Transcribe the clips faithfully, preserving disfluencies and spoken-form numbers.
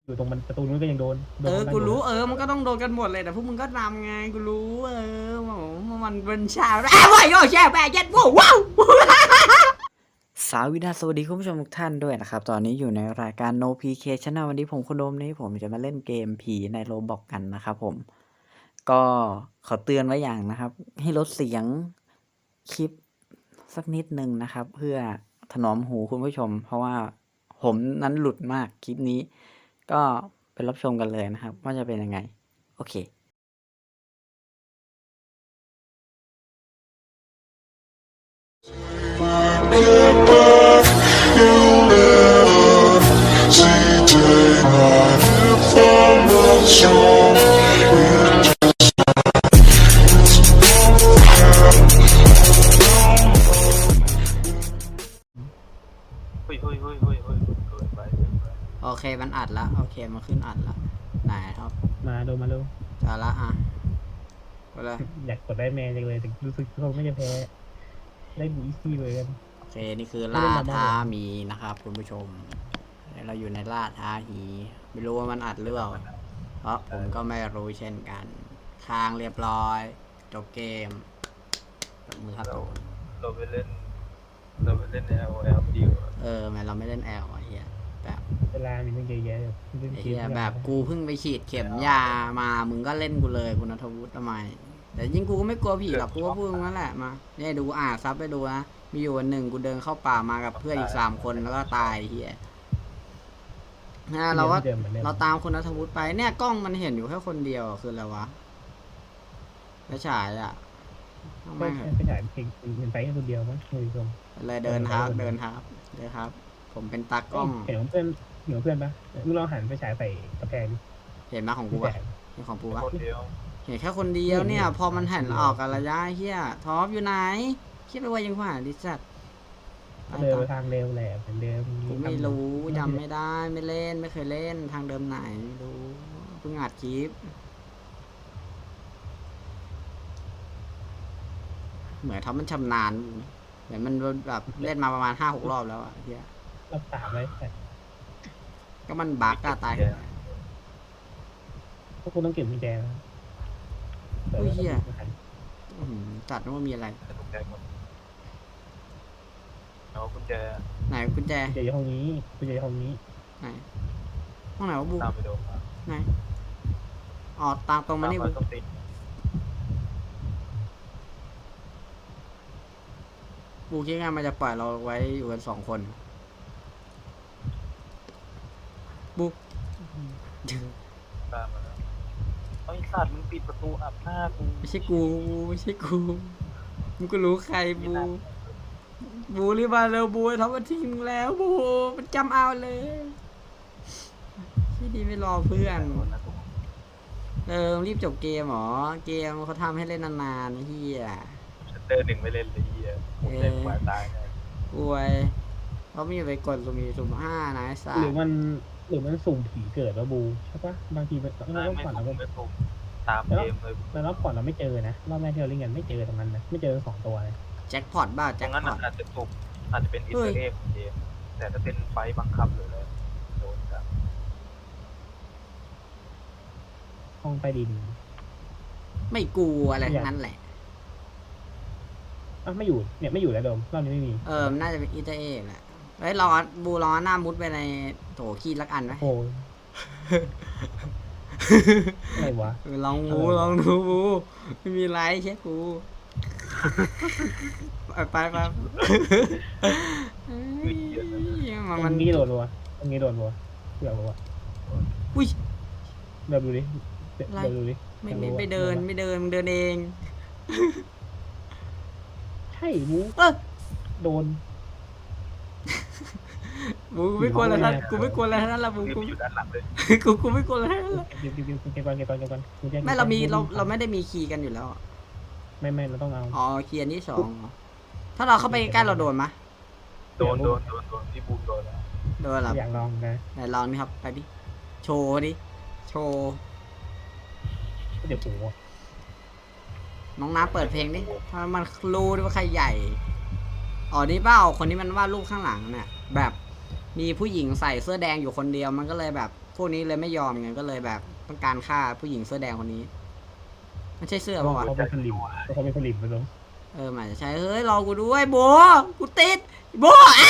อยู่ตรงมันประตูนู้นก็ยังโดนเออกูรู้เออมันก็ต้องโดนกันหมดเลยแต่พวกมึงก็นำไงกูรู้เออมันเป็นชาวอ้าวโย่แช่แปะเย็ดว้าวสาวินาสวัสดีคุณผู้ชมทุกท่านด้วยนะครับตอนนี้อยู่ในรายการ No พี เค Channel วันนี้ผมคุณโดมนี้ผมจะมาเล่นเกมผีในโรบล็อกกันนะครับผมก็ขอเตือนไว้อย่างนะครับให้ลดเสียงคลิปสักนิดนึงนะครับเพื่อถนอมหูคุณผู้ชมเพราะว่าผมนั้นหลุดมากคลิปนี้ก็ไปรับชมกันเลยนะครับว่าจะเป็นยังไงโอเคโอเคมันอัดแล้วโอเคมันขึ้นอัดแล้วไหนครับมาโดนมาดูจะละอ่ะไปเลยอยากกดได้แมนจังเลยแต่รู้สึกเขาไม่จะแพ้ได้บูอีซี่เลยกันโอเคนี่คือล่าท้ามีนะครับคุณผู้ชมเราอยู่ในล่าท้าหีไม่รู้ว่ามันอัดหรือเปล่าเพราะผมก็ไม่รู้เช่นกันค้างเรียบร้อยจบเกมมือครับเราเราไปเล่นเราไปเล่น L L ดีกว่าเออแม่เราไม่เล่น L อ่ะเฮียแบบเวลามีตั้งเยอะแยะเฮียแบบกูเพิ่งไปฉีดเข็มยามามึงก็เล่นกูเลยคุณณัฐวุฒิทำไมแต่ยิ่งกูก็ไม่กลัวผีหรอกกูก็พูดงั้นแหละมาเนี่ยดูอ่าซับไปดูนะมีอยู่วันหนึ่งกูเดินเข้าป่ามากับเพื่อนอีกสามคนแล้วก็ตายเฮียนะเราก็เราตามคุณณัฐวุฒิไปเนี่ยกล้องมันเห็นอยู่แค่คนเดียวคืออะไรวะไม่ฉายอ่ะไม่ไปถ่ายเพลงเป็นไปแค่คนเดียวมั้งคุยตรงเลยเดินครับเดินครับเดินครับ ผมเป็นตากล้องเห็นเพื่อนเห็นเพื่อนปะมึงลองหันไปฉายใส่กระแพงดิเห็นมาของกูปะเห็นของกูปะเห็นแค่คนเดียวเนี่ยพอมันหันออกกันระยะเฮียท็อปอยู่ไหนคิดไปว่ายังผ่านดิจัดเดินไปทางเร็วแหละเป็นเดิมกูไม่รู้จำไม่ได้ไม่เล่นไม่เคยเล่นทางเดิมไหนไม่รู้เพิ่งอัดคลิปเหมือนท็อปมันชำนาญเหมือนมันแบบเล่นมาประมาณห้าหกรอบแล้วอะเฮียรอบสามเลยก็มันบั๊กก็ตายพวกคุณต้องเก็บกุญแจนะอุ้ยเฮียจัดว่ามีอะไรเอากุญแจไหนกุญแจกุญแจอยู่ห้องนี้กุญแจอยู่ห้องนี้ไหนห้องไหนวะบูตามไปดูไหนอ๋อตามตรงมานี่บูบูคิดไงมันจะปล่อยเราไว้อยู่กันสองคนบูตามมาแล้วไอ้สัตว์มึงปิดประตูอับหน้ากูไม่ใช่กูไม่ใช่กูมึงก็รู้ใครบูบูรีบมาเร็วบูทำมาทิ้งแล้วบูมันจำเอาเลยที่ดีไม่รอเพื่อนเออรีบจบเกมหรอเกมเขาทำให้เล่นนานๆเฮียฉันเดินหนึ่งไม่เล่นเลยเฮียผมเล่นกว่าตายเลยอวยเขาไม่ไปกดสุ่มสุ่มห้านะไอ้สัสหรือมันหรือมันสุ่มผีเกิดแล้วบูใช่ปะบางทีมันไม่ไม่สุ่มไม่สุ่มตามเกมเลยแล้วรอบก่อนเราไม่เจอนะรอบแรกที่เราเล่นกันไม่เจอตรงนั้นนะไม่เจอสองตัวเลยแจ็คพอตบ้าแจ็คพอตอาจจะสุ่มอาจจะเป็นอินเตอร์เอ็กเกมแต่ถ้าเป็นไฟบังคับเลยโดนจับห้องใต้ดินไม่กลัวอะไรทั้งนั้นแหละอ่ะไม่อยู่เนี่ยไม่อยู่แล้วโดมรอบนี้ไม่มีเออน่าจะเป็นอินเตอร์เอ็กแหละไอ้รอบูรอหน้ามุดไปในโถขี้ลักอันไหมโอ้อะไรวะลองบูลองดูบูไม่มีไรเช็คกูไปไปมันงี้โดนรัวมันงี้โดนรัวเดี๋ยวรัวอุ้ยเดี๋ยวดูดิเดี๋ยวดูดิไม่ไม่ไม่เดินไม่เดินมึงเดินเองใช่บูโดนบูกูไม่กลัวแล้วนะกูไม่กลัวแล้วนั่นละบูกูอยู่ด้านหลังเลยกูกูไม่กลัวแล้วนั่นละเก็บเก็บเก็บก่อนเก็บก่อนเก็บก่อนไม่เรามีเราเราไม่ได้มีคีย์กันอยู่แล้วไม่ไม่เราต้องเอาอ๋อคีย์อันที่สองถ้าเราเข้าไปใกล้เราโดนไหมโดนโดนโดนโดนที่บูมโดนแล้วโดนหรออยากลองนะไหนลองนี่ครับไปดิโชว์ดิโชว์เดี๋ยวปูน้องน้าเปิดเพลงดิถ้ามันรู้ด้วยว่าใครใหญ่อ๋อนี่เปล่าคนนี้มันวาดรูปข้างหลังเนี่ยแบบมีผู้หญิงใส่เสื้อแดงอยู่คนเดียวมันก็เลยแบบพวกนี้เลยไม่ยอมไงก็เลยแบบต้องการฆ่าผู้หญิงเสื้อแดงคนนี้ไม่ใช่เสื้อเขาป่าวะเป็นผลิตเขาเป็นผลิตมาลงเออมันอาจจะใช่เฮ้ยรอกูด้วยโบกูติดโบอ่ะ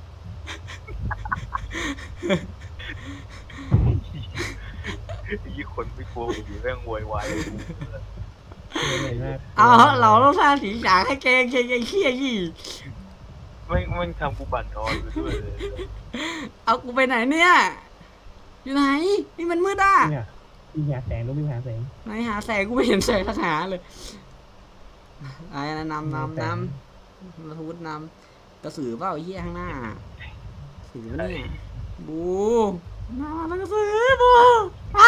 ยี่คนไม่กลัวอยู่เรื่องโวยวายเหนื่อยมากเอาเราต้องสร้างสีสันให้เกงเกงเกงเขี้ยยี่ไม่ไม่ทำกูบั่นนอนไปด้วยเลยเอากูไปไหนเนี่ยอยู่ไหนนี่มันมืดอ่ะเนี่ยมีหาแสงลูกมีหาแสงไหนหาแสงกูไม่เห็นแสงสักหาเลยไอ้นะนำนำนำมาทูดนำกระสือเปล่าไอ้เหี้ยข้างหน้าสือเนี่ยบูมาแล้วกระสือบูอ้า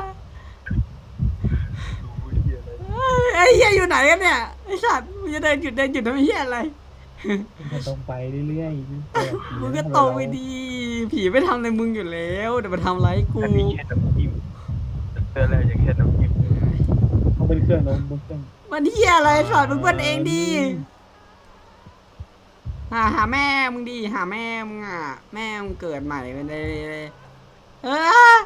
ดูเหี้ยอะไรไอ้เหี้ยอยู่ไหนกันเนี่ยไอ้สัตว์มึงจะเดินหยุดเดินหยุดทำไมเหี้ยอะไรมันตรงไปเรื่อยๆมึงก็โตไปดีผีไม่ทำอะไรมึงอยู่แล้วแต่มาทำไรกูอันนี้แค่น้ำจิ้มเจอแล้วยังแค่น้ำจิ้มเขาเป็นเครื่องน้องบนเครื่องมันเหี้ยอะไรสอนมึงเปิ้ลเองดีหาหาแม่มึงดีหาแม่มึงอ่ะแม่มึงเกิดใหม่เป็นเลยเออ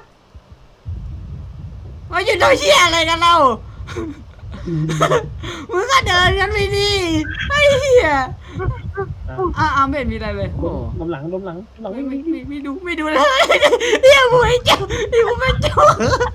มาอยู่ตัวเหี้ยอะไรกันเรา มึงก็เดินกันไปดิไอ้เหี้ยอ้าวไม่เห็นมีอะไรเลยโอ้ล้มหลังล้มหลังหลังไม่ไม่ไม่ไม่ไม่ไม่ดูไม่ดูเลยเดี๋ยวกูไม่เจ้าเดี๋ยวกูไม่เจ้า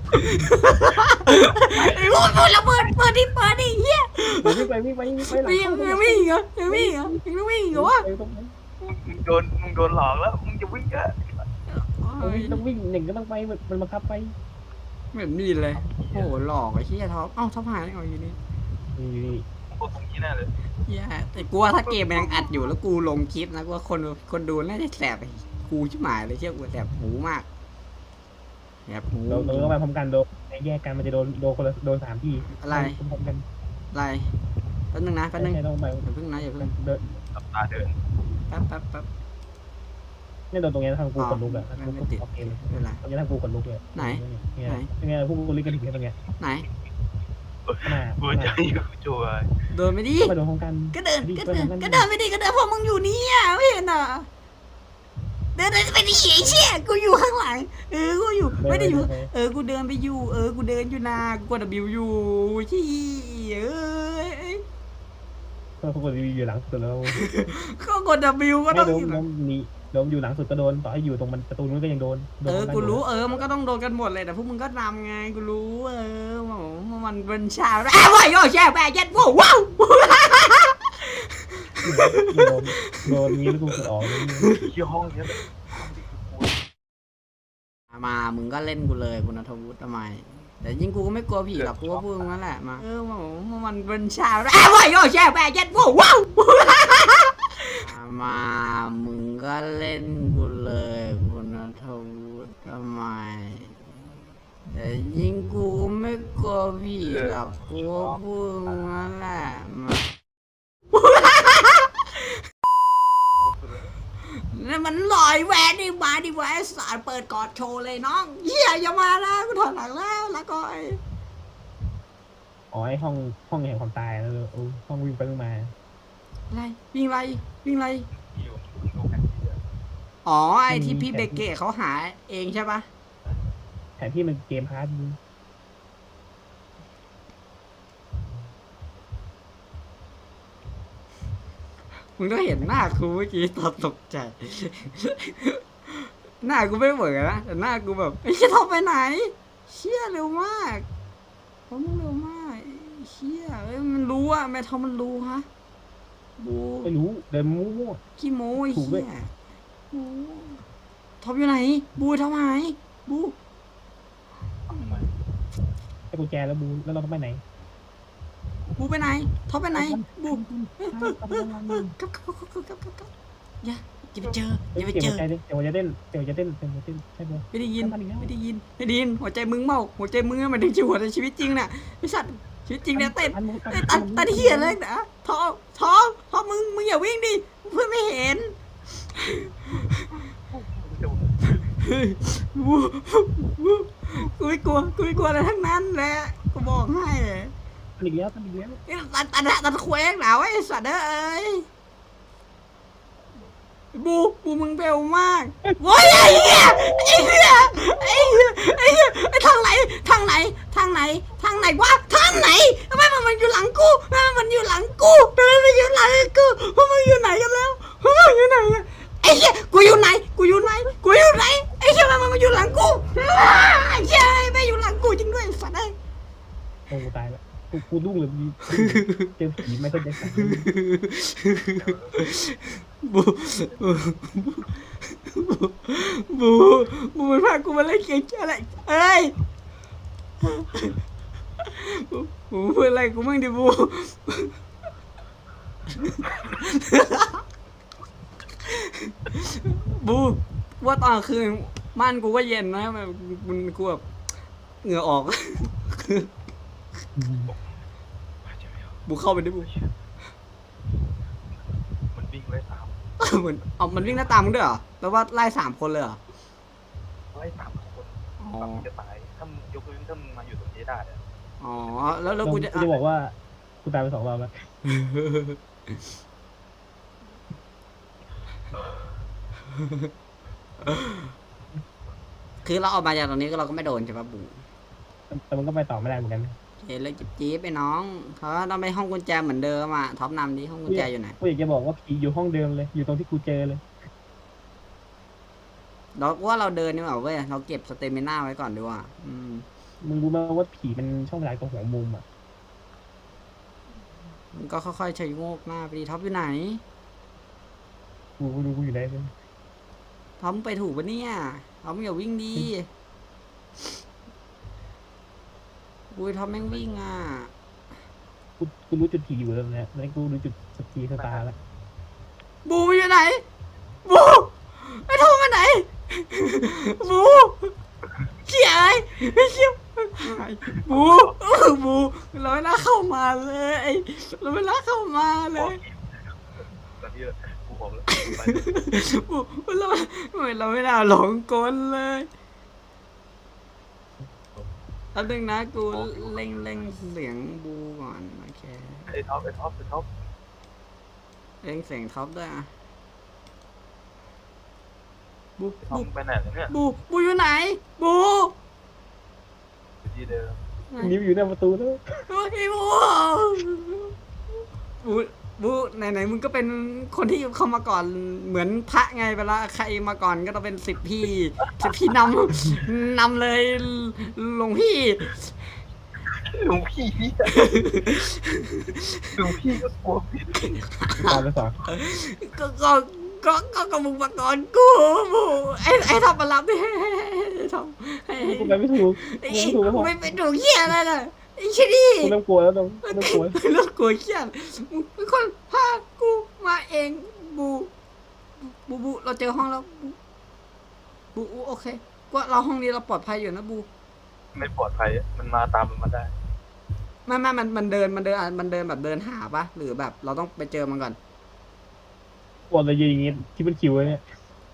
ไอ้พวกมันระเบิดเปิดดิเปิดดิเหี้ยวิ่งไปวิ่งไปวิ่งไปหลังยังยังไม่อีกเหรอยังไม่อีกเหรอยังไม่อีกเหรอวะมึงโดนมึงโดนหลอกแล้วมึงจะวิ่งอะต้องวิ่งหนึ่งก็ต้องไปมันบังคับไปเหมือนมีเลยโอ้โหหลอกไอ้เหี้ยท็อปเอ้าท็อปหายได้ไงอยู่นี่นี่นี่มึงกดตรงนี้แน่เลยเหี้ยแต่กูว่าถ้าเกมมันยังอัดอยู่แล้วกูลงคลิปนะกูว่าคนคนดูน่าจะแสบไอ้กูชิบหายเลยเชื่อกูแสบหูมากแสบหูเราเราต้องไปพร้อมกันโดนแยกกันมันจะโดนโดนคนละโดนสามที่พร้อมกันอะไรแป๊บนึงนะแป๊บนึงใช่ต้องไปอย่าเพิ่งนะอย่าเพิ่งเดินตับตาเดินแป๊บแป๊บแป๊บเนี่ยโดนตรงนี้ทางกูขนลุกอะกูโอเคเลยเวลาตรงนี้ทางกูขนลุกเลยเนี่ยเนี่ยพวกกูลิกันถึงตรงเนี้ยไหนขนาดกูจะอยู่จัวเดินไปดิไปโดนพร้อมกันก็เดินก็เดินก็เดินไปดิก็เดินพวกมึงอยู่นี่อ่ะไม่เห็นอ่ะเดินเดินไปดิไอ้เชี่ยกูอยู่ข้างหลังเออกูอยู่ไม่ได้อยู่เออกูเดินไปอยู่เออกูเดินอยู่นากูกดบิวอยู่ชี้เอ้ยก็พวกกูอยู่หลังสุดแล้วก็กดบิวก็ไม่ต้องโดนโดนนี่โดนอยู่หลังสุดก็โดนต่อให้อยู่ตรงมันประตูนู้นก็ยังโดนเออกูรู้เออมันก็ต้องโดนกันหมดเลยแต่พวกมึงก็นำไงกูรู้เออมันเป็นชาอ้าวโย่แช่แปะยัดว้าวว้าวโดนโดนนี้แล้วกูกดออกที่ห้องเนี้ยมามึงก็เล่นกูเลยคุณณัฐวุฒิทำไมแต่ยิ่งกูก็ไม่กลัวผีหรอกกูก็พูดงั้นแหละมาเออมันเป็นชาอ้าวโย่แช่แปะยัดว้าวว้าวมามึงก็เล่นกูเลยคุณณัฐวุฒิทำไมแต่ยิ่งกูไม่กลัวผีหรอกกูก็พูดงั้นแหละมานี่มันลอยแหวนดิมาดิแหวนสารเปิดกอดโชว์เลยน้องเฮียอย่ามาแล้วกูถอดหลังแล้วละก้อยอ๋อไอห้องห้องแห่งความตายแล้วโอ้ห้องวิ่งไปวิ่งมาอะไรวิ่งไรวิ่งไรอยู่ดูแผนที่อ๋อไอที่พี่เบเกตเขาหาเองใช่ปะแผนที่มันเกมพาร์ทมึงต้องเห็นหน้ากูเมื่อกี้ตอนตกใจ หน้ากูไม่เหมือนนะแต่หน้ากูแบบไอ้เชี่ยทอปไปไหนเชี่ยเร็วมากเขามึงเร็วมากเชี่ยเอ้ยมันรู้อะแม่ทอมมันรู้ฮะบูไม่รู้เดินมั่วขี้โม้ไอ้ถูกด้วเชี่ยยบูทอปอยู่ไหน บูทอปหายบูไอ้กุญแจแล้วบูแล้วเราต้องไปไหนบูไปไหนทอปไปไหนบูกลับกับกับกับกับกับกับอย่าอย่าไปเจออเดี๋ย่าไปยวเจอจะเต้นเดี๋ยวจะเต้นเดี๋ยวจะเต้นเดี๋ยวจะเต้นใช่ไหมไม่ได้ยินไม่ได้ยินไม่ได้ยินหัวใจมึงเมาหัวใจมึงมันถึงชีวิตในชีวิตจริงน่ะไอ้สัตว์ชีวิตจริงเนี่ยเต้นเต้นตันตันเหี้ยเลยนะท้อท้อท้อมึงมึงอย่าวิ่งดิเพื่อนไม่เห็นวูวูกูไม่กลัวกูไม่กลัวอะไรทั้งนั้นแหละกูบอกให้เลยอีกแล้วอีกแล้วตันตันตันเคว้งหนาวไอ้สัตว์เอ้ยบูบูมึงเบลมากโว้ยไอ้เหี้ยไอ้เหี้ยไอ้เหี้ยไอ้เหี้ยไอ้ทางไหนทางไหนทางไหนทางไหนวะทางไหนทำไมมันมันอยู่หลังกูทำไมมันอยู่หลังกูทำไมมันอยู่หลังกูพวกมึงอยู่ไหนกันแล้วพวกมึงอยู่ไหนอะไอ้เหี้ยกูอยู่ไหนกูอยู่ไหนกูอยู่ไหนไอ้เหี้ยมันมันอยู่หลังกูไอ้เหี้ยไม่อยู่หลังกูจริงด้วยสัตว์ไอ้โอ้กูตายแล้วกูกูรุ่งเลยมีเจอผีไม่เข้าใจสักบูบูบูมันพากูมาเล่นเกมอะไรเอ้ยบูบูพูดอะไรกูมั่งดิบูบูว่าตอนคืนบ้านกูก็เย็นนะมันมันกูแบบเหงื่อออกบูเข้าไปดิบูมันวิ่งไล่ตามเหมือนเอามันวิ่งหน้าตามมึงด้วยเหรอแปลว่าไล่สามคนเลยเหรอไล่ตามคนอ๋อตามมึงจะตายถ้ามึงยกเว้นถ้ามึงมาอยู่ตรงนี้ได้เนี่ยอ๋อแล้วแล้วกูจะกูจะบอกว่ากูตายไปสองรอบแล้วคือเราออกมาจากตรงนี้ก็เราก็ไม่โดนใช่ปะบูแต่มันก็ไปต่อไม่ได้เหมือนกันเห็นเลยจิ๊บจี๊บไปน้องเขาต้องไปห้องกุญแจเหมือนเดิมอ่ะท็อปนำดิห้องกุญแจอยู่ไหนกูอยากจะบอกว่าผีอยู่ห้องเดิมเลย อยู่ตรงที่กูเจอเลยเราว่าเราเดินนี่หว่าเว้ยเราเก็บสเตมิน่าไว้ก่อนดีกว่าอืมมึงรู้ไหมว่าผีมันช่องเวลาตรงหัวมุมอ่ะมันก็ค่อยๆใช้โงกหน้าไปดิท็อปอยู่ไหนกูกูดูกูอยู่ไหนเลยท็อปมึงไปถูกปะเนี่ยท็อปมึงอย่าวิ่งดีอุ้ยท็อปแม่งวิ่งอ่ะกูกูรู้จุดผีอยู่แล้วเนี่ยแล้วกูรู้จุดสกีสตาร์แล้วบูมันอยู่ไหนบูไอ้ท็อปมาไหนบูเขี่ยไอ้ไม่เขี่ยบูบูเราไม่น่าเข้ามาเลยเราไม่น่าเข้ามาเลยตอนนี้กูบอกแล้วไปบูเราเราไม่น่าหลงกลเลยเอาดึงนะกูเล่งเล่งเสียงบูก่อนโอเคไอ้ท็อปไอ้ท็อปไอ้ท็อปเล่งเสียงท็อปด้วยอ่ะบูไอ้ท็อบูปไปไหนแล้วเนี่ยบูบูอยู่ไหนบูอยู่ที่เดิมนิ้วอยู่หน้าประตูแล้วโอ้ยบูบูบูไหนไหนมึงก็เป็นคนที่เข้ามาก่อนเหมือนพระไงเวลาใครมาก่อนก็ต้องเป็นสิบพี่สิบพี่นำนำเลยหลวงพี่หลวงพี่หลวงพี่ก็กลัวผิดตายไปสองก็ก็ก็ก็ก็มึงมาก่อนกูบูไอ้ไอ้ทำมารับดิทำไอ้กูไปไม่ถูกไอ้กูไม่ถูกแล้วไม่เป็นถูกเหี้ยอะไรล่ะไอ้ชิดี้กูเริ่มกลัวแล้วต้องเริ่มกลัวเลิกกลัวเหี้ยมึงเป็นคนพากูมาเองบูบูบูเราเจอห้องแล้วบูบูโอเคก็เราห้องนี้เราปลอดภัยอยู่นะบูไม่ปลอดภัยมันมาตามมันมาได้ไม่ไม่มันมันเดินมันเดินมันเดินแบบเดินหาปะหรือแบบเราต้องไปเจอมันก่อนกลัวอะไรอย่างงี้ที่มันคิวเนี่ย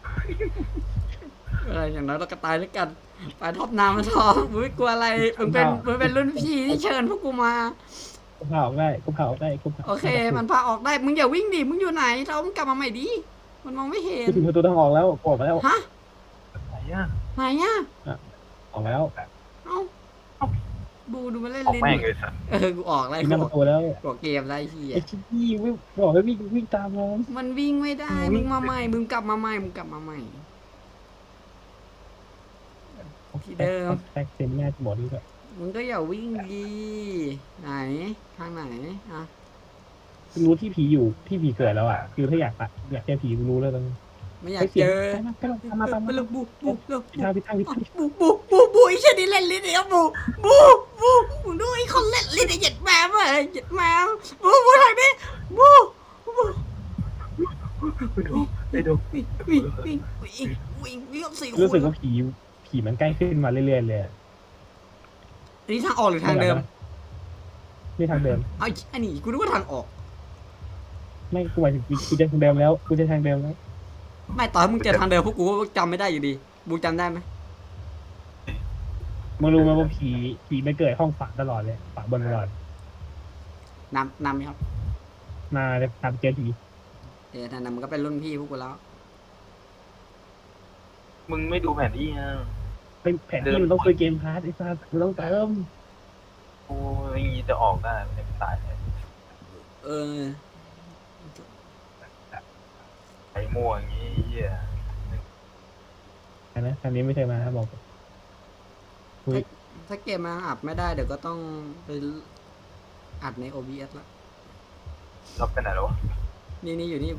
อะไรอย่างน้อยเราก็ตายด้วยกันไปท็อปน้ำมาทอมึงไม่กลัวอะไรมึงเป็นมึงเป็นรุ่นพี่ที่เชิญพวกกูมากูเผาออกได้กูเผาออกได้กูเผาโอเค มันพาออกได้มึงอย่าวิ่งดิมึงอยู่ไหนเรามึงกลับมาใหม่ดิมันมองไม่เห็นกูถึงประตูทางออกแล้วออกมาแล้วฮะไหนอ่ะไหนอ่ะออกมาแล้วเอ้าบูดูมาเล่นออกลิ้นแม่งเลยสัตว์เออกูออกแล้วถึงหกูน้าประตูแล้วออกเกมไรเฮียไอ้ชี้วิ่งบอกให้วิ่งวิ่งตามมันมันวิ่งไม่ได้มึงมาใหม่มึงกลับมาใหม่มึงกลับมาใหม่ ที่เดิมแท็กเซนแม่หมดดีกว่ามึงก็อย่าวิ่งดีไหนทางไหนอ่ะรู้ที่ผีอยู่ที่ผีเกิดแล้วอ่ะคือถ้าอยากปะอยากเจอผีรู้แล้วตอนนี้ไม่อยากเจอไปลงมาตามไปมาลูกบูบูลูกพิทางพิทางพิทางบูบูบูบูไอ้เช่นนี้เล่นลิ้นเนี่ยบูบูบูมึงดูไอ้คนเล่นลิ้นไอ้เหยียดแมวเลยเหยียดแมวบูบูทางนี้บูบูไปดูไปดูวิ่งวิ่งวิ่งวิ่งวิ่งวิ่งกับสี่คนรู้สึกว่าผีผีมันใกล้ขึ้นมาเรื่อยๆเลยอันนี้ทางออกหรือทางเดิมนี่ทางเดิมไอ้อันนี้กูนึกว่าทางออกไม่กูหมายถึงกูจะทางเดิมแล้วกูจะทางเดิมแล้วไม่ต่อให้มึงเจอทางเดิมพวกกูก็จำไม่ได้อยู่ดีบูจำได้ไหมมึงรู้ไหมว่าผีผีไม่เกิดห้องฝาตลอดเลยฝาบนตลอดนำนำไหมครับมาจะตามเจอผีเออนั่นน่ะมันก็เป็นรุ่นพี่พวกกูแล้วมึงไม่ดูแผนที่อ่ะเป็นแผนที่มันต้องซื้อเกมพาร์ทไอ้สัสมันต้องเติมโอ้ยอย่างงี้จะออกได้มันจะตายเลยเออไอ้ม่วอย่างงี้เหี้ยนะคำนี้ไม่เคยมาครับบอกคุยถ้าเกมมาอัดไม่ได้เดี๋ยวก็ต้องไปอัดใน โอ บี เอส ละล็อกไปไหนแล้ววะนี่นี่อยู่นี่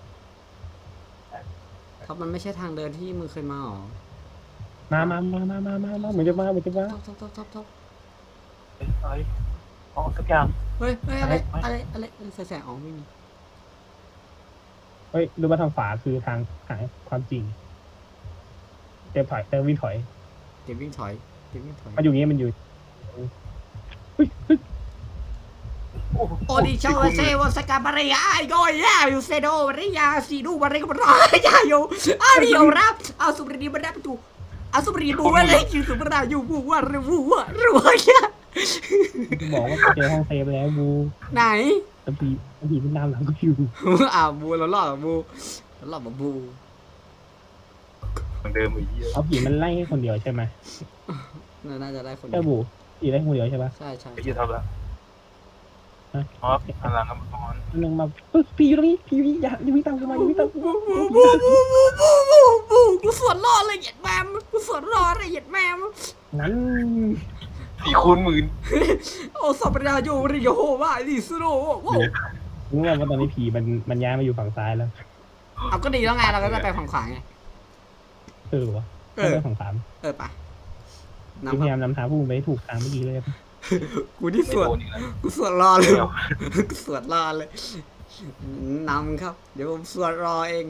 ท็อปมันไม่ใช่ทางเดินที่มึงเคยมาหรอมามามามามามามาเหมือนจะมาเหมือนจะมาท็อปท็อปท็อปท็อปท็อปเฮ้ยเฮ้ยอ๋อสักอย่างเฮ้ยเฮ้ยอะไรอะไรอะไรอะไรแสงอ๋อไม่มีเฮ้ยดูมาทางฝาคือทางหาความจริงเต็มถอยเต็มวิ่งถอยเดี๋ยววิ่งถอยเดี๋ยววิ่งถอยมันอยู่อย่างงี้มันอยู่เฮ้ยเฮ้ยโอ้โหโอดิชาวเซวสกาบาริยาโยยาอยู่เซโดบาริยาซีดูบาริกบารายาโยอาริโอรับเอาสุบรีบารับตูเอาสุบรีบูวะเลยอยู่สุบราอยู่บูวะรูวะรูวะเนี่ยบอกว่าเจอห้องเซฟแล้วบูไหนตะพีตะพีมันตามหลังกูอยู่อ่าบูเราหลอกบูเราหลอกบูเหมือนเดิมไอ้เหี้ยเอาผีมันไล่ให้คนเดียวใช่ไหมน่าจะได้คนเจ้าบูผีไล่คนเดียวใช่ปะใช่ใช่ไอ้เหี้ยเท่าไหร่ฮะอ๋อพลังกำลังนึงมาเฮ้ยผีอยู่ตรงนี้ผีอยู่นี่อย่าอย่าวิ่งตามกูมาอย่าวิ่งตามกูมาบูบูบูบูบูบูบูกูสวนรอเลยเหยียดแมมกูสวนรอเลยเหยียดแมมงั้นสี่คูณหมื่นโอ้สับราโยริโยว่าดิสโรว้าวรู้ว่าตอนนี้ผีมันมันย้ายมาอยู่ฝั่งซ้ายแล้วเอาก็ดีแล้วไงเราก็จะไปฝั่งขวาไงเออวะเอไม่อได้ฝั่งสามเออไปกูนำพคยารับยามนำทางพวกมึงไปให้ถูกทางเมื่อกี้เลยกูที่ไม่สวดโดนอีกแล้วกูสวดรอเลยเดี๋ยวกูสวดรอเลยนำครับ เดี๋ยวผมสวดรอเอง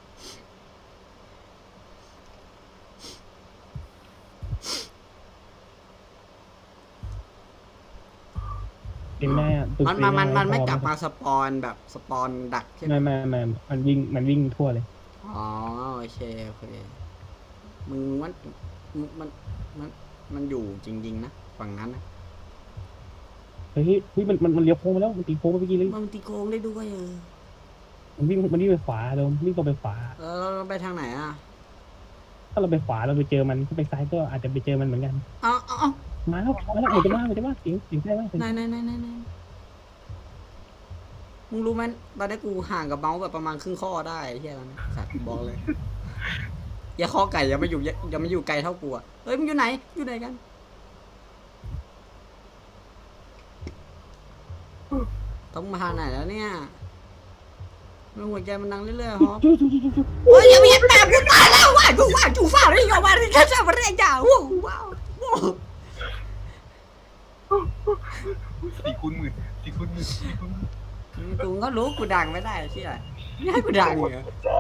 เป็นแม่ตึกมันเป็มันมันมันไม่พอกลับมาสปอนแบบสปอนดักใช่ไหมไม่ไม่ไม่มันวิ่งมันวิ่งทั่วเลยอ๋อโอเคโอเคมึงมันมึงมันมันมันอยู่จริงๆนะฝั่งนั้นนะเฮ้ยเฮ้ยมันมันมันเลี้ยวโค้งมาแล้วมันตีโค้งมาเมื่อกี้เลยมันตีโกงได้ด้วยเออมันวิ่งมันวิ่งไปขวาเราวิ่งตรงไปขวาแล้วเราไปทางไหนอ่ะถ้าเราไปขวาเราไปเจอมันถ้าไปซ้ายก็อาจจะไปเจอมันเหมือนกันเอาเอาเอามาแล้วมาแล้วเหมือนจะมาเหมือนจะมาเสียงเสียงได้ไหมไหนไหนไหนไหนไหนมึงรู้ไหมตอนนี้กูห่างกับเมาส์แบบประมาณครึ่งข้อได้ไอ้เฮียแล้วนะสัตว์บอกเลยอย่าข้อไก่อย่ามาอยู่อย่าอย่ามาอยู่ไกลเท่ากูอ่ะเฮ้ยมึงอยู่ไหนอยู่ไหนกันต้องมาทางไหนแล้วเนี่ยมันหัวใจมันดังเรื่อยๆฮอปจุ๊จุ๊จุ๊จุ๊จุ๊โอ้ยอย่าไปยัดแปมกูตายแล้วว่ะกูว่ากูฟ้าเลยกับว่าที่ข้าจะมาเรียกจ่าว้าวว้าวว้าวสี่คูณหมื่นสี่คูณหมื่นสี่คูณหมื่นกูก็รู้กูดังไม่ได้ใช่ไหมไม่ให้กูดังเหรอใช่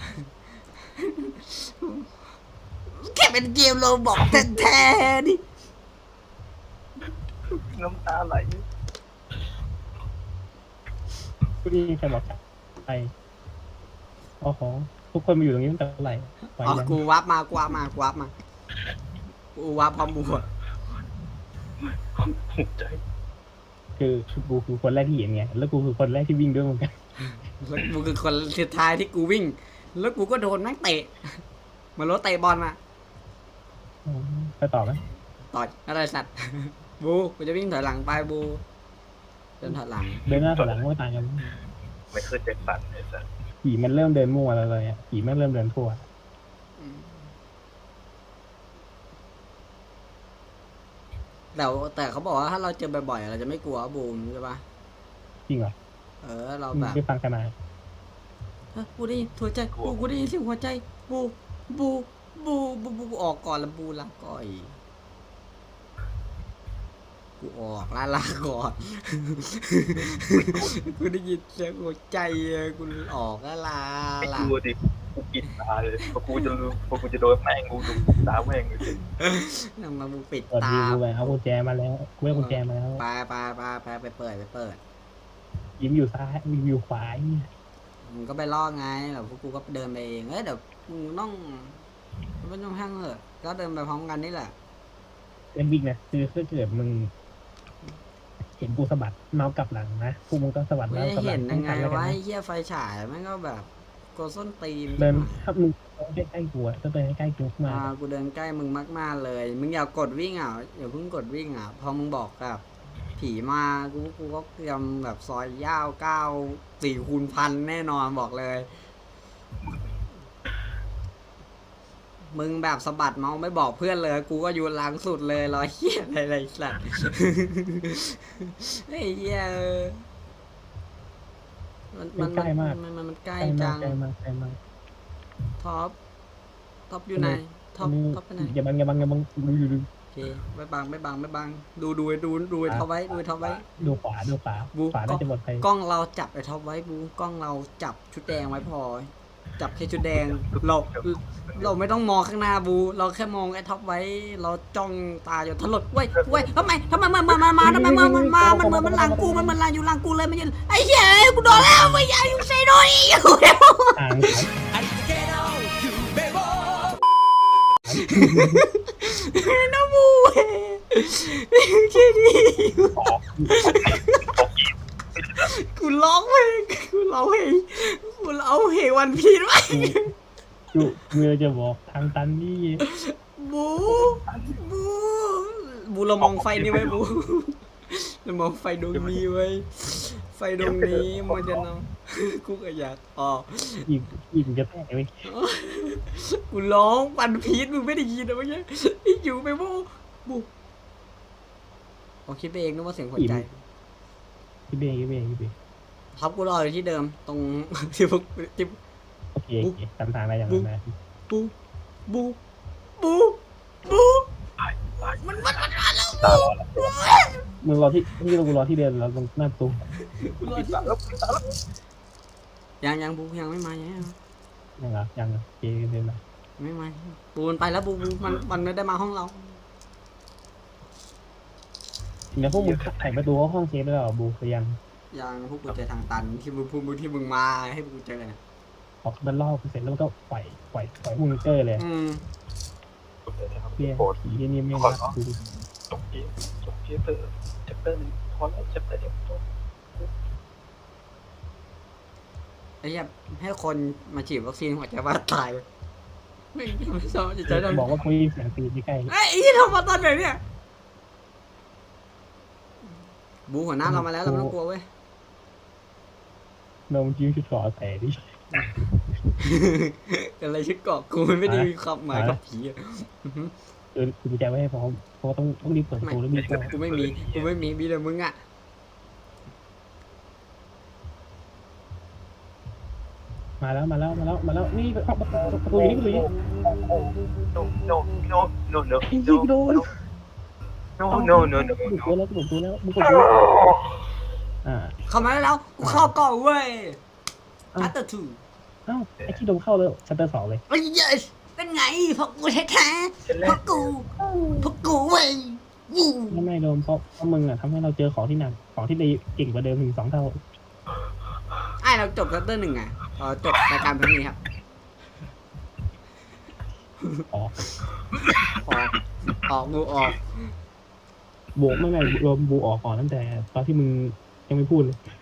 แค่เป็นเกมโรบอกแท้ๆนี่น้ำตาไหลกูได้ยินใครบอกไปโอ้โหทุกคนมาอยู่ตรงนี้ตั้งแต่เมื่อไหร่ไปอ๋อยังกูวับมากูวับมากูวับมากูวับพร้อมบูอะหัวใจคือกูคือคนแรกที่เห็นไงแล้วกูคือคนแรกที่วิ่งด้วยเหมือนกันแล้วกูคือคนสุดท้ายที่กูวิ่ง แล้วกูก็โดนแม่งเตะเหมันรถเตะบอลมาอ๋อไปต่อไหมต่อยอะไรสัตว์ บูกูจะวิ่งถอยหลังไปบูเดินถอยหลังเดินหน้าถอยหลังก็ไม่ต่างกันไม่เคยแจ็คสันเลยสัสผีมันเริ่มเดินมั่วแล้วเลยอ่ะผีมันเริ่มเดินทั่วแต่แต่เขาบอกว่าถ้าเราเจอบ่อยๆเราจะไม่กลัวบูมใช่ปะจริงเหรอเออเราแบบไปฟังกันมาเฮ้ยกูได้ยินหัวใจบูกูได้ยินเสียงหัวใจบูบูบูบูบูกูออกก่อนแล้วบูลาก่อยกูออกลาลาก่อน กูได้ยินเสียงหัวใจอะกูออกลาลาไม่ลากลัวดิกูปิดตาเลยเพราะกูจะรู้เพราะกูจะโดนแม่งกูดูตาแม่งเลยนำมาบูปิดเปิดตาดีกูไปเอากุญแจมาแล้วกูได้กุญแจมาแล้วไปไปไปไปไปเปิดไปเปิดยิ้มอยู่ซ้ายยิ้มอยู่ขวาเนี่ยมึงก็ไปล่อไงเดี๋ยวพวกกูก็เดินไปเองเอ้ยเดี๋ยวมึงต้องไม่ต้องห้างเถอะก็เดินไปพร้อมกันนี่แหละเอ็มบิ๊กนะคือถ้าเกิดมึงเห็นกูสะบัดเมาส์กลับหลังนะพวกมึงก็สะบัดไม่เมาส์ได้กลับหลัเห็งนยังไงแล้วกัวะนไอ้เหี้ยไฟฉายมันก็แบบกดส้นตีนเดินถ้ามึงใกล้ใกล้ๆกูอะถ้าเดินใกล้ๆกูมาอ่ากูเดินใกล้มึงมากๆเลย มึงอย่ากดวิ่งอ่ะอย่าเพิ่งกดวิ่งอ่ะพอมึงบอกกับผีมากูกูก็เตรียมแบบซอยย่าวเก้าสี่คูณพันแน่นอนบอกเลย มึงแบบสะบัดเมาส์ไม่บอกเพื่อนเลย กูก็อยู่หลังสุดเลยรอยเหี้ยอะไรไรสัตว์ ไอ้เหี้ยเออมันมันใกล้มากมันมันมันใกใกล้ล้มาจักงใกล้มากใกล้มากท็อปท็อปอยู่ไหนท็อปนี่ท็อปไปไหนอย่าบังอย่าบังอย่าบังดูดูดูโอเคไม่บังไม่บังไม่บังดูดูดูดูไอ้ท็อปไว้ดูไอ้ท็อปไว้ดูขวาดูขวาบูขวาน่าจะหมดไปกล้องเราจับไอ้ท็อปไว้บูกล้องเราจับชุดแดงไว้พอ จับแค่ชุดแดงเราเราไม่ต้องมองข้างหน้าบู เราแค่มองไอ้ท็อปไว้ เราจ้องตาอยู่ถลดเว้ยเว้ยทำไมทำไมมันมามามาทำไมมันมันมามันเหมือนมันหลังกูมันมันหลังอยู่หลังกูเลยมันยืนไอ้เหี้ยกูโดนแล้วไม่อยากอยู่เซโดนี่อยู่แล้วทางนะบูแค่นี้กูร้องเพลงกูร้องเพลงกูร้องเพลงวันพีชไว้จุเมื่อจะบอกทางตันนี่บูบูบูเรามองไฟนี่ไว้บูเรามองไฟดวงนี้ไว้ไฟดวงนี้มันจะนำกูก็อยากออกอีกอีกจะแตกไปกูร้องปันพีชมึงไม่ได้ยินนะเมื่อกี้ไอ้อยู่ไปบูบูโอคิดไปเองนึกว่าเสียงหัวใจพี่เบย์พี่เบย์พี่เบย์ท็อปกูรออยู่ที่เดิมตรง ที่พวกที่โอเคโอเคทำทางอะไรอย่างนั้นนะบูบูบูบูมันมันมันมาแล้วบูมึงรอที่ที่เรากูรอที่เดินเราตรงหน้าประตูกูรอที่ยังยังบูยังไม่มายังไม่มายังเหรอยังเหรอโอเคเดินมาไม่มาบูมันไปแล้วบูบูมันมันไม่ได้มาห้องเราทีนี้พวกมึงไขประตูเข้าห้องเซฟแล้วเหรอบูหรือยังยังพวกกูเจอทางตันที่มึงพูดที่มึงมาให้พวกกูเจอนะออกมันล่อกูเสร็จแล้วมันก็ปล่อยปล่อยปล่อยมึงเกอร์เลยอืมเพี้ยโปรดผีที่นี่ไม่รักกูจบเกมจบเกมเตอร์แชปเตอร์หนึ่งพอแล้วแชปเตอร์เดียวจบไอ้เหี้ยให้คนมาฉีดวัคซีนหัวใจว่าตายไม่ไม่ชอบจะใจดำบอกว่ากูได้ยินเสียงตีนใกล้ไอ้ยี่ทำมาตอนไหนเนี่ยบูหัวหน้าเรามาแล้วเราไม่ต้องกลัวเว้ยๆนมจิ้มชุดขอแต่ดิอะไรชื่อเกาะกูมันไม่ได้มีความหมายกับผีอะเออกูใจไว้ให้พร้อมเพราะว่าต้องต้องรีบเปิดประตูแล้วมีกล้องกูไม่มีกูไม่มีมีแต่มึงอ่ะมาแล้วมาแล้วมาแล้วมาแล้วนี่เข้าประตูประตูอยู่นี่ประตูอยู่นี่โนโนโนโนโนไอ้ยิงโดนโนโนโนโนกูโนตัวแล้วกูตัวแล้วมึงกดดูอ่าเข้ามาแล้วกูเข้าเกาะเว้ยชัตเตอร์ทูเอ้าไอ้ที่โดนเข้าแล้วชัตเตอร์สองเลยไอ้ยัยเป็นไงพวกกูแท้ๆพวกกูพวกกูเว้ยวูไม่ไม่โดนเพราะเพราะมึงอ่ะทำให้เราเจอของที่หนักของที่ดีเก่งกว่าเดิมถึงสองเท่าไอ้เราจบชัตเตอร์หนึ่งไงพอจบรายการเพลงนี้ครับอ๋อออกออกบูออกบวกไม่ไม่รวมบูออกก่อนตั้งแต่ตอนที่มึงยังไม่พูดเลย